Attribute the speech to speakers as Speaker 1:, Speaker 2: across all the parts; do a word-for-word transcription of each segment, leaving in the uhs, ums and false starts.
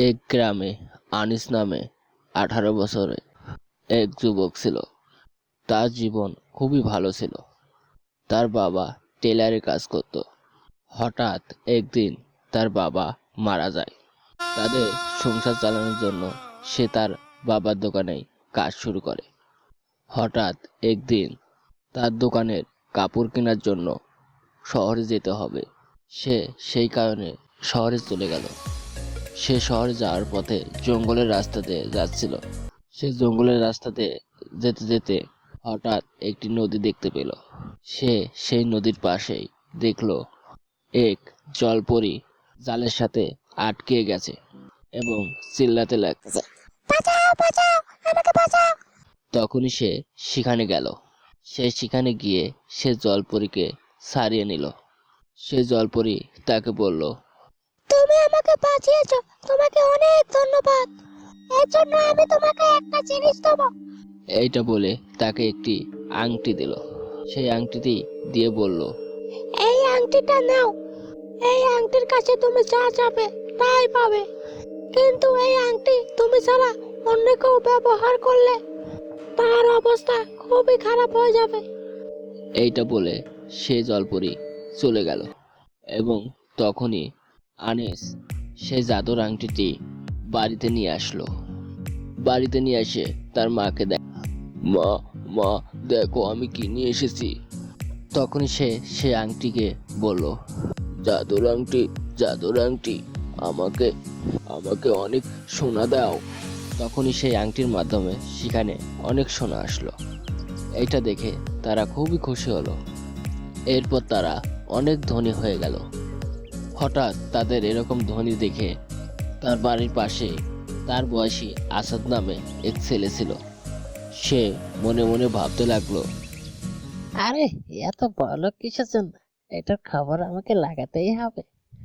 Speaker 1: এক গ্রামে আনিস নামে আঠারো বছরে এক যুবক ছিল। তার জীবন খুবই ভালো ছিল। তার বাবা টেলারে কাজ করত। হঠাৎ একদিন তার বাবা মারা যায়। তাদের সংসার চালানোর জন্য সে তার বাবার দোকানেই কাজ শুরু করে। হঠাৎ একদিন তার দোকানের কাপড় কেনার জন্য শহরে যেতে হবে। সে সেই কারণে শহরে চলে গেল। সে শহরে যাওয়ার পথে জঙ্গলের রাস্তা দিয়ে যাচ্ছিল। সে জঙ্গলের রাস্তাতে যেতে যেতে হঠাৎ একটি নদী দেখতে পেল। সে সেই নদীর পাশেই দেখলো এক জলপরী জালের সাথে আটকে গেছে এবং চিল্লাতে লাগছে, বাঁচাও বাঁচাও আমাকে বাঁচাও। তখনই সে সেখানে গেল। সে সেখানে গিয়ে সে জলপরীকে ছাড়িয়ে নিল। সে জলপরী তাকে বলল, তুমি আমাকে বাঁচিয়েছো, তোমাকে অনেক ধন্যবাদ। এর জন্য আমি তোমাকে একটা জিনিস দেব। এইটা বলে তাকে একটি আংটি দিল। সেই আংটিটি দিয়ে বলল, এই আংটিটা নাও। এই আংটির কাছে তুমি যা চাবে তাই পাবে, কিন্তু এই আংটি তুমি ছাড়া অন্য কেউ ব্যবহার করলে তার অবস্থা খুবই খারাপ হয়ে যাবে। এইটা বলে সে জলপরী চলে গেল এবং তখনই আনিস সে জাদুর আংটিটি বাড়িতে নিয়ে আসলো। বাড়িতে নিয়ে এসে তার মাকে দেয়, মা মা দেখো আমি কি নিয়ে এসেছি। তখনই সে সে আংটিকে বলল, জাদুর আংটি জাদুর আংটি আমাকে আমাকে অনেক সোনা দাও। তখনই সেই আংটির মাধ্যমে সেখানে অনেক সোনা আসলো। এইটা দেখে তারা খুবই খুশি হলো। এরপর তারা অনেক ধনী হয়ে গেল। হঠাৎ তাদের এরকম ধনী দেখে তার বাড়ির পাশে তার বয়সী আসাদ নামে এক ছেলে ছিল। সে মনে মনে ভাবতে লাগলো, আরে এত বড় কিসের জন্য, এটার খবর আমাকে লাগাতেই হবে।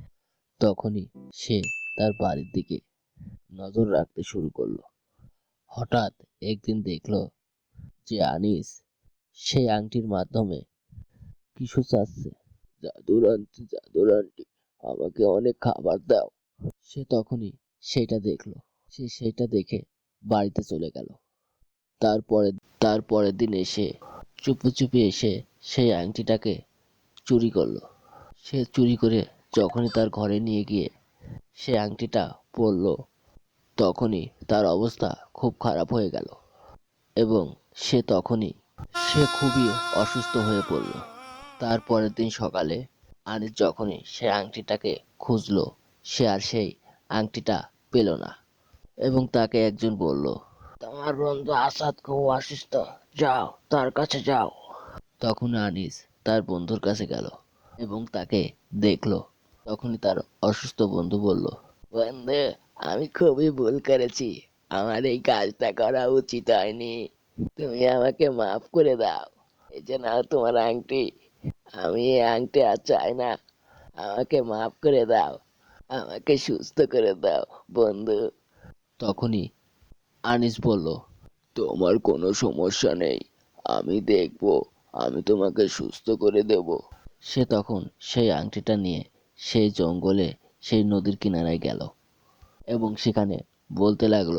Speaker 1: তখনই সে তার বাড়ির দিকে নজর রাখতে শুরু করলো। হঠাৎ একদিন দেখলো যে আনিস সেই আংটির মাধ্যমে কিছু চাচ্ছে, জাদুর আংটি জাদুর আংটি আমাকে অনেক খাবার দাও। সে তখনই সেটা দেখলো। সে সেটা দেখে বাড়িতে চলে গেল। তারপরে তারপরের দিন এসে চুপি চুপি এসে সেই আংটিটাকে চুরি করলো। সে চুরি করে যখনই তার ঘরে নিয়ে গিয়ে সে আংটিটা পরলো, তখনই তার অবস্থা খুব খারাপ হয়ে গেল এবং সে তখনই সে খুবই অসুস্থ হয়ে পড়ল। তারপরের দিন সকালে আনিস যখনই সে আংটিটাকে খুঁজলো, সে আর সেই আংটিটা পেল না এবং তাকে একজন বলল, তোমার বন্ধু আসাদ খুব অসুস্থ, যাও তার কাছে যাও। তখন আনিস তার বন্ধুর কাছে গেল এবং তাকে দেখলো। তখনই তার অসুস্থ বন্ধু বলল, বন্ধু আমি খুবই ভুল করেছি, আমার এই কাজটা করা উচিত হয়নি, তুমি আমাকে মাফ করে দাও। এই যে নাও তোমার আংটি, আমি এই আংটি আর চাই না, আমাকে মাফ করে দাও, আমাকে সুস্থ করে দাও বন্ধু। তখনই আনিস বলল, তোমার কোনো সমস্যা নেই, আমি দেখব, আমি তোমাকে সুস্থ করে দেব। সে তখন সেই আংটিটা নিয়ে সেই জঙ্গলে সেই নদীর কিনারায় গেল এবং সেখানে বলতে লাগলো,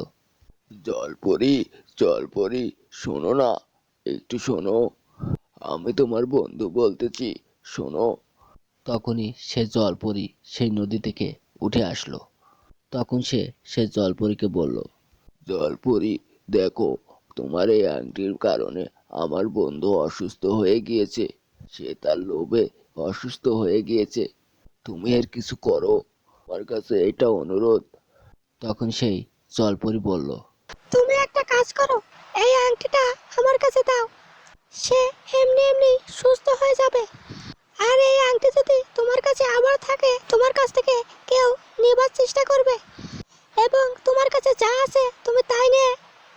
Speaker 1: জলপরি জলপরি শোনো না, একটু শোনো, আমি তোমার বন্ধু বলতেছি, শোনো। তখনই সে জলপরি সেই নদী থেকে উঠে আসলো। তখন সে সে জলপরীকে বলল, জলপরি দেখো, তোমার এই আংটির কারণে আমার বন্ধু অসুস্থ হয়ে গিয়েছে, সে তার লোভে অসুস্থ হয়ে গিয়েছে, তুমি এর কিছু করো, আমার কাছে এটা অনুরোধ। তখন সেই জলপরি বলল, তুমি একটা কাজ করো, এই আংটিটা আমার কাছে দাও, সে এমনি এমনি সুস্থ হয়ে যাবে। আর এই আংটি যদি তোমার কাছে আবার থাকে, তোমার কাছ থেকে কেউ নেবার চেষ্টা করবে এবং তোমার কাছে যা আছে তুমি তাই নিয়ে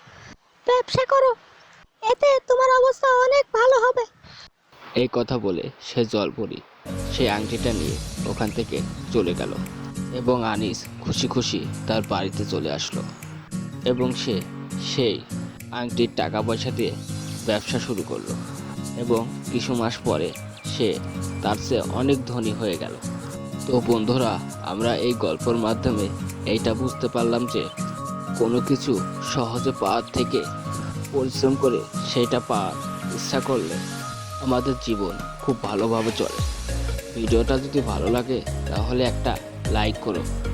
Speaker 1: ব্যবসা করো, এতে তোমার অবস্থা অনেক ভালো হবে। এই কথা বলে সে জলপরি সেই আংটিটা নিয়ে ওখান থেকে চলে গেল এবং আনিস খুশি খুশি তার বাড়িতে চলে আসলো এবং সে সেই আংটির টাকা পয়সা দিয়ে ব্যবসা শুরু করলো এবং কিছু মাস পরে সে তার চেয়ে অনেক ধনী হয়ে গেল। তো বন্ধুরা, আমরা এই গল্পের মাধ্যমে এইটা বুঝতে পারলাম যে কোনো কিছু সহজে পাওয়ার থেকে পরিশ্রম করে সেটা পাওয়ার ইচ্ছা করলে আমাদের জীবন খুব ভালোভাবে চলে। ভিডিওটা যদি ভালো লাগে তাহলে একটা লাইক করো।